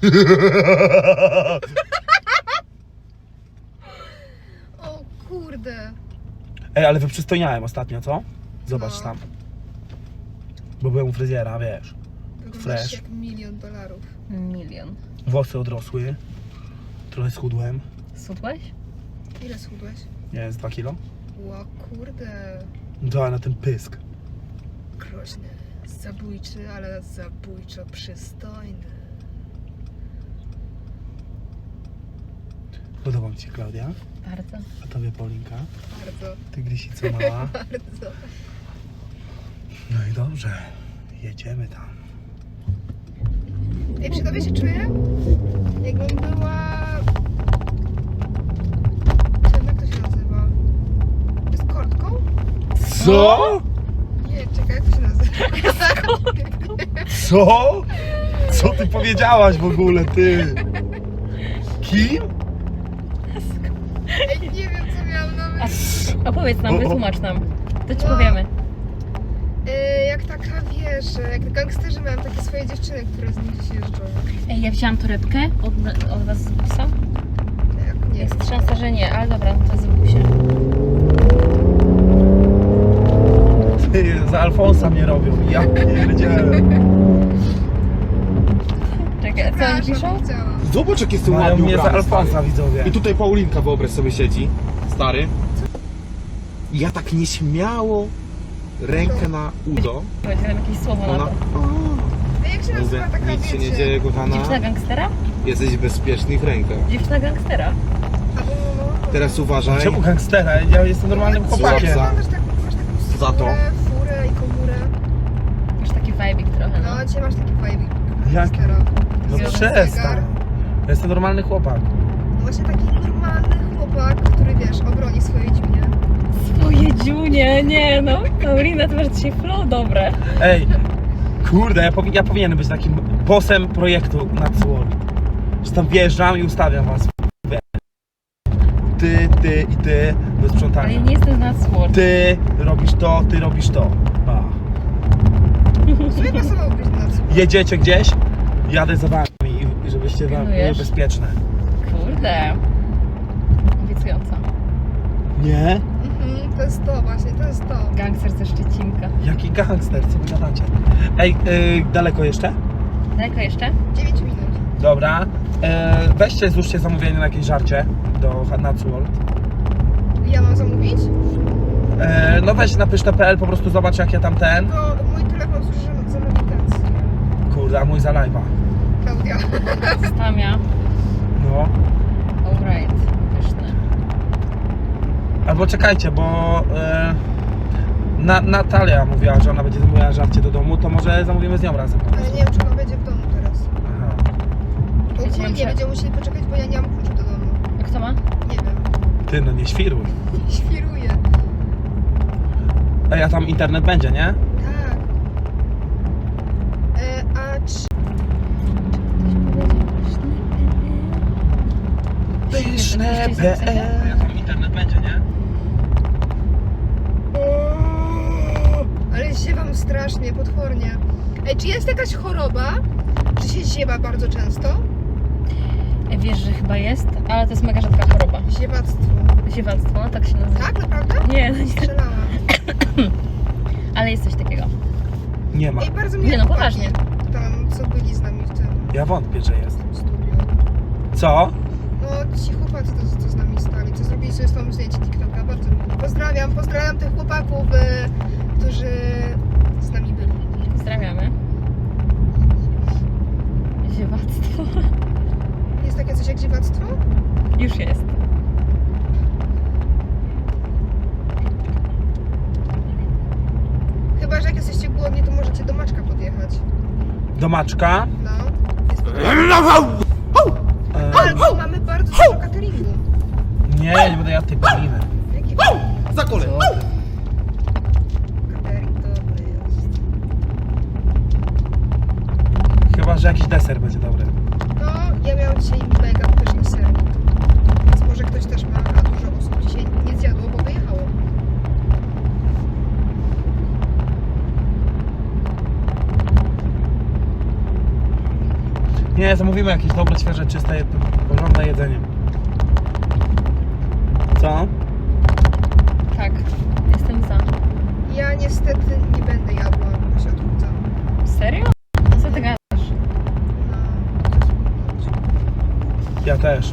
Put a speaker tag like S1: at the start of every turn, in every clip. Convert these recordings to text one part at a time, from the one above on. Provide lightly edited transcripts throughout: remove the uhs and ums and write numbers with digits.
S1: O kurde.
S2: Ej, ale wyprzystojniałem ostatnio, co? Zobacz
S1: No.
S2: tam. Bo byłem u fryzjera, wiesz.
S1: Wyglądasz
S2: Fresh.
S1: jak $1 000 000.
S3: Milion.
S2: Włosy odrosły. Trochę schudłem.
S3: Sudłeś?
S1: Ile schudłeś?
S2: Nie wiem, z 2 kilo.
S1: O kurde.
S2: Dała na ten pysk.
S1: Groźny. Zabójczy, ale zabójczo przystojny.
S2: Podoba mi się Klaudia.
S3: Bardzo.
S2: A tobie Paulinka.
S1: Bardzo,
S2: Tygrysica mała.
S1: bardzo.
S2: No i dobrze. Jedziemy tam.
S1: Ej, przy tobie się czuję, jakbym była... Czym, jak to się nazywa? Eskortką?
S2: Co?
S1: Nie, czekaj, jak to się nazywa?
S2: Co? Co ty powiedziałaś w ogóle, ty? Kim?
S1: Ej, nie wiem, co miałam na myśli.
S3: Opowiedz nam, wytłumacz nam. To ci
S1: No.
S3: powiemy.
S1: Jak taka, wiesz, jak gangsterzy mają takie swoje dziewczyny, które z nimi gdzieś jeżdżą.
S3: Ej, ja wzięłam torebkę od was z busa.
S1: Jak nie
S3: Jest
S1: wiem.
S3: szansa, że nie, ale dobra, to jest w busie.
S2: Ty, za Alfonsa mnie robią. Ja pierdzielę.
S3: Czekaj, co oni piszą?
S1: Przepraszam, chciałam.
S4: Zobacz jak jestem
S2: Mają
S4: ładnie
S2: mnie za
S4: ubrany,
S2: Alfonsa,
S4: stary.
S2: widzowie.
S4: I tutaj Paulinka, wyobraź sobie, siedzi. Stary. I ja tak nieśmiało rękę na udo.
S3: Powiedz nam jakieś słowo na
S4: Ona...
S3: to.
S1: A jak się
S4: Mówię,
S1: nazywa taka,
S4: nic się nie
S1: wiecie?
S4: dzieje, kochana.
S3: Dziewczyna gangstera?
S4: Jesteś w bezpiecznych rękach.
S3: Dziewczyna gangstera.
S1: Albo...
S4: Teraz uważaj.
S2: Czemu gangstera? Ja jestem normalnym chłopakiem.
S4: Za-
S1: Masz taką
S4: za to.
S1: furę i komórę.
S3: Masz taki vibe'ik trochę, no.
S1: No, dzisiaj masz taki vibe.
S2: Jak?
S1: gangstera.
S2: No
S3: Zegar.
S2: przestań. Ja jestem normalny chłopak.
S1: No właśnie taki normalny chłopak, który, wiesz, obroni swoje dziunie.
S3: Swoje dziunie, nie no. Paulina, ty masz dzisiaj flow dobre.
S2: Ej, kurde, ja powinienem być takim bossem projektu nad World. Że tam wjeżdżam i ustawiam was. Ty i ty do
S3: Ale ja
S2: sprzątania.
S3: nie jestem z nas sword.
S2: Ty robisz to, ty robisz to. A.
S1: Sobie pasowałbyś na co?
S2: Jedziecie gdzieś, jadę za wami i żebyście wam były
S3: Pilnujesz?
S2: bezpieczne.
S3: Kurde. Obiecująco.
S2: Nie?
S1: To jest to właśnie, to jest to.
S3: Gangster ze Szczecinka.
S2: Jaki gangster, co wy gadacie? Ej, daleko jeszcze?
S3: Daleko jeszcze?
S1: 9 minut.
S2: Dobra. Weźcie, złóżcie zamówienie na jakieś żarcie do Nuts World.
S1: Ja mam zamówić?
S2: No weź na pyszne.pl, po prostu zobacz jak ja tam ten.
S1: Bo mój telefon służy za nawigację.
S2: Kurde, a mój za live'a.
S1: Klaudia.
S3: Stamia.
S2: No.
S3: Alright. Pyszne.
S2: Albo czekajcie, bo Natalia mówiła, że ona będzie zamówiła żarcie do domu, to może zamówimy z nią razem.
S1: Ale nie wiem, czy ona będzie w domu teraz.
S2: Aha.
S1: Ogólnie
S3: muszę-
S1: będziemy musieli poczekać, bo ja nie mam kluczu do domu.
S3: A kto ma?
S1: Nie wiem.
S2: Ty, no nie świruj.
S1: Świruję.
S2: Ej, a tam internet będzie, nie?
S1: Tak. A czy...
S2: Pyszne.pl. A tam internet będzie, nie?
S1: Ale ziewam strasznie, potwornie. Ej, czy jest jakaś choroba? Czy się ziewa bardzo często?
S3: Wiesz, że chyba jest, ale to jest mega rzadka choroba.
S1: Ziewactwo.
S3: Ziewactwo, no tak się nazywa.
S1: Tak, naprawdę?
S3: Nie, no nie.
S1: Strzelałam.
S3: Ale jest coś takiego.
S2: Nie ma.
S1: Ej, bardzo mnie
S3: Nie, no
S1: chłopaki
S3: poważnie.
S1: tam, co byli z nami w tym
S2: Ja wątpię, że jest.
S1: studiu.
S2: Co?
S1: No, ci chłopacy, co z nami stali, co zrobili sobie z tą zdjęcie TikToka, bardzo miło. Pozdrawiam tych chłopaków, którzy z nami byli.
S3: Pozdrawiamy. Ziewactwo.
S1: Jest takie coś jak dziewactwo?
S3: Już jest.
S1: Chyba, że jak jesteście głodni, to możecie do Maczka podjechać.
S2: Do Maczka.
S1: No. Jest Albo mamy bardzo dużo cateringu.
S2: Nie, nie będę jadł tej Pauliny.
S1: Jaki
S4: Za kolej.
S1: catering dobry jest.
S2: Chyba, że jakiś deser będzie dobry.
S1: No, ja miałam dzisiaj mega pyszny sernik. Więc może ktoś też ma, a dużo osób dzisiaj nie zjadło, bo wyjechało.
S2: Nie, zamówimy jakieś dobre, świeże, czyste, porządne jedzenie. Co?
S3: Tak, jestem za.
S1: Ja niestety nie będę jadła, bo się odchudzam.
S3: Serio? Co ty gadasz?
S2: Ja też.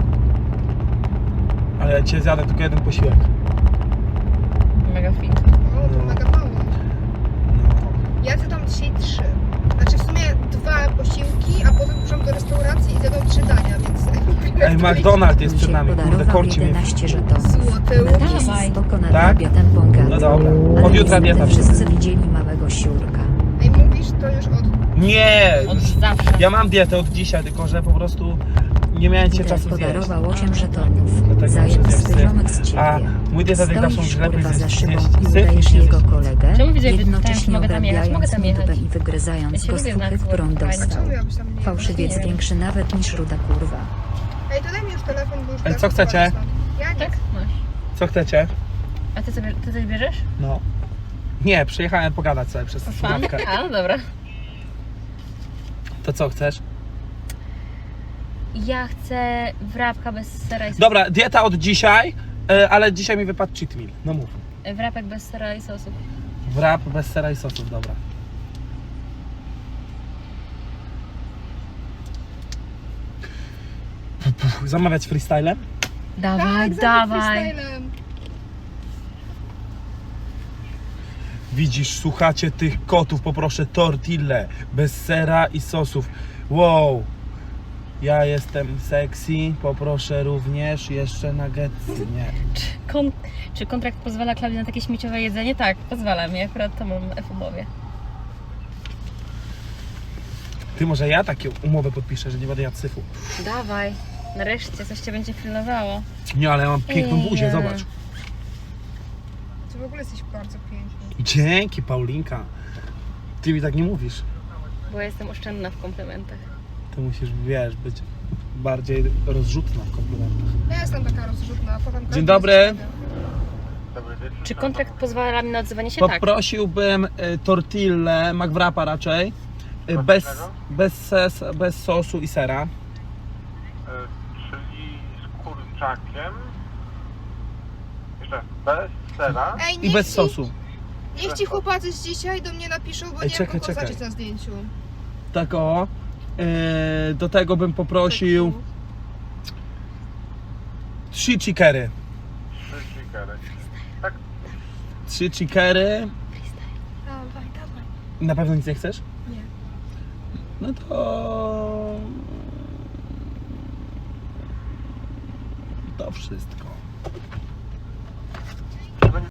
S2: Ale ja cię zjadę tylko jeden posiłek.
S3: Mega fit.
S1: O, to
S2: No.
S1: mega mało.
S2: No.
S1: Ja zjadłam dzisiaj 3. Znaczy w sumie 2 posiłki, a potem poszłam do restauracji i zjadłam 3 dania, więc...
S2: Ej, McDonald's jest przed nami, kurde,
S5: podarował
S2: korci mnie.
S5: 11 żetonów.
S1: Złoty
S5: Na
S1: łuk.
S5: tak jest
S3: Dawaj.
S5: spoko na
S2: Tak?
S5: obiadem bągaty.
S2: No dobra.
S5: Ale
S2: Od jutra
S5: niestety
S2: dieta.
S5: wszyscy widzieli małego siurka.
S1: Ej, mówisz to już od...
S2: Nie!
S3: Od zawsze.
S2: Ja mam dietę od dzisiaj, tylko że po prostu nie miałem cię
S5: Peter
S2: czasu zjeść.
S5: podarował 8 żetonów.
S2: Dlatego
S5: Zajeb
S2: muszę zjeść
S5: ziomek z ciebie.
S2: A mój dietetyk zawsze
S5: Stoisz
S2: mówi, że lepiej
S5: kurwa za
S2: zjeść
S5: szybą
S2: zjeść
S5: i
S2: syf
S5: udajesz
S2: niż
S5: jego
S2: zjeść.
S5: kolegę,
S3: Czemu widziałeś, że
S5: jednocześnie
S3: pytałem, czy mogę tam jechać? Mogę
S5: obrabiając
S3: tam jechać.
S5: nudbę i wygryzając
S3: Ja się
S5: go
S3: lubię
S5: z
S3: znać
S5: fuchy, którą
S3: słowo, fajne.
S5: dostał.
S1: Czemu miałbyś tam nie
S5: Fałszywiec
S3: Nie wiem.
S5: większy nawet niż ruda kurwa.
S1: Ej, to daj mi już telefon, bo już...
S2: Ej,
S1: teraz
S2: co chcecie?
S1: wychodzę stąd. Ja nie.
S3: Tak? Masz.
S2: Co chcecie?
S3: A ty coś bierzesz?
S2: No. Nie, przyjechałem pogadać sobie przez
S3: Fan?
S2: słuchawkę.
S3: A, no dobra.
S2: To co chcesz?
S3: Ja chcę wrapka bez sera i sosu.
S2: Dobra, dieta od dzisiaj, ale dzisiaj mi wypadł cheat meal. No mów.
S3: Wrapek bez sera i sosu.
S2: Wrap bez sera i sosów, dobra. Zamawiać freestylem?
S3: Dawaj,
S1: Tak,
S3: dawaj.
S1: freestylem.
S2: Widzisz, słuchacie tych kotów, poproszę tortillę bez sera i sosów. Wow. Ja jestem sexy, poproszę również jeszcze nuggetsy. Nie.
S3: Czy kontrakt pozwala Klaudii na takie śmieciowe jedzenie? Tak, pozwala mi. Akurat to mam w umowie.
S2: Ty, może ja takie umowę podpiszę, że nie będę jadł syfu.
S3: Dawaj. Nareszcie coś cię będzie pilnowało.
S2: Nie, ale ja mam piękną buzię,
S3: Ej.
S2: zobacz.
S1: Ty w ogóle jesteś bardzo piękny.
S2: Dzięki, Paulinka. Ty mi tak nie mówisz.
S3: Bo jestem oszczędna w komplementach.
S2: Ty musisz, wiesz, być bardziej rozrzutna w komplementach.
S1: Ja jestem taka rozrzutna, a potem... każdy
S2: dobry.
S1: jest
S3: Czy kontrakt pozwala mi na odzywanie się? Tak.
S2: Poprosiłbym tortillę, McWrapa raczej, bez sosu i sera.
S6: Czyli z kurczakiem. Jeszcze bez sera.
S1: Ej,
S2: I
S1: niech
S2: bez
S1: ci-
S2: sosu.
S1: Niech ci chłopacy z dzisiaj do mnie napiszą, bo
S2: Ej,
S1: nie
S2: czekaj,
S1: wiem kogo
S2: czekaj.
S1: zacząć na zdjęciu.
S2: Tak o. Do tego bym poprosił 3 chickery.
S6: 3 chickery.
S2: 3 chickery.
S1: Dawaj, dawaj.
S2: Na pewno nic nie chcesz?
S1: Nie.
S2: No to... To wszystko.